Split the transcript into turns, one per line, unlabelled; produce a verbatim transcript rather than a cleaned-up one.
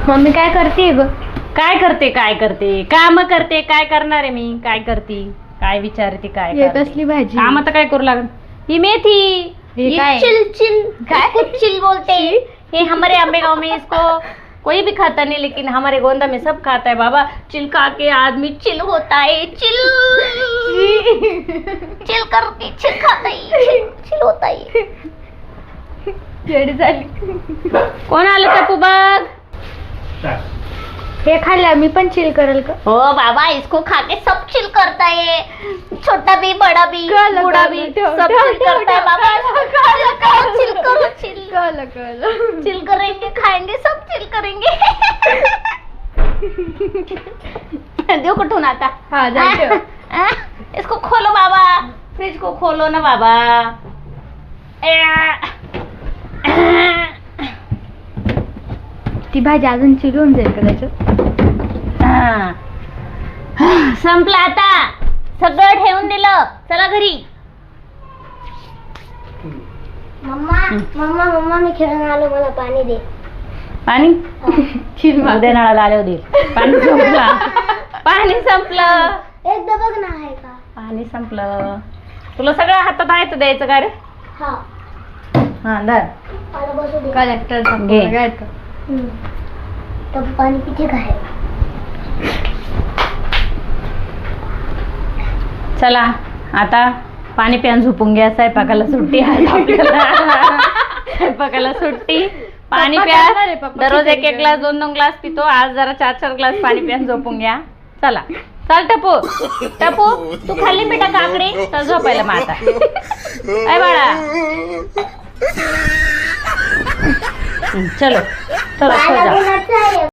Mummy काय करते ग?
काय करते काय करते काम करते काय करणार आहे मी काय करते काय विचारते काय
हे
करते?
कसली भाजी?
काम तर काय करू लागत ही मेथी
हे
ये
काय?
चिल चिल काय चिल बोलते ये हमारे अम्बे गांव में इसको कोई भी खाता नहीं लेकिन हमारे गोंदा में सब खाता है बाबा। चिल खा के आदमी चिल होता है चिल चिल करके चिल खाता है चिल, चिल होता है।
येडी झाली।
कोण आलं टपू बघ
हे खाल्ल्या मी पण चिल करेल का?
हो बाबा इसको खा के सब चिल करता है छोटा भी बड़ा भी
कळलं,
बूढ़ा
कळलं,
भी
ठेव,
सब
ठेव,
चिल
ठेव,
करता है
ठेव,
बाबा। चिल करो चिल करो चिल
कळलं कळलं।
चिल करेंगे खाएंगे सब चिल करेंगे। देव कुठून आता
हा जा ठेव।
आ, आ, इसको खोलो बाबा फ्रिज को खोलो ना बाबा।
ती भाजी अजून चिरून जाईल का त्याच्यात?
हा. संपलं आता सगळं ठेवून दिलं चला घरी।
मम्मा मम्मा मम्मा मी खेळून आलो मला पाणी दे।
पाणी
चिल
उद्या नळाला आले होते पाणी संपलं पाणी संपलं
एकदा बघ ना आहे का?
पाणी संपलं तुला सगळं हातात आहे तर द्यायचं का रे?
हा
हा धर
मला बसू दे।
कलेक्टर
घे.
हम्म. तर पाणी पिते काय?
चला आता पाणी प्यान झोपून घ्या स्वयंपाकाला सुट्टी आहे आपल्याला स्वयंपाकाला सुट्टी पाणी
पप्पा
प्या
करणार आहे, पप्पा
दररोज एक
खिचडी
एक ग्लास दोन दोन ग्लास पितो आज जरा चार चार ग्लास पाणी प्यान झोपून घ्या। चला चल टपू टपू तू खाल्ली बेटा काकडी चल झोपायला मग आता काय बाळा हं, चलो चलो सो जा।
मला बोलायचं आहे.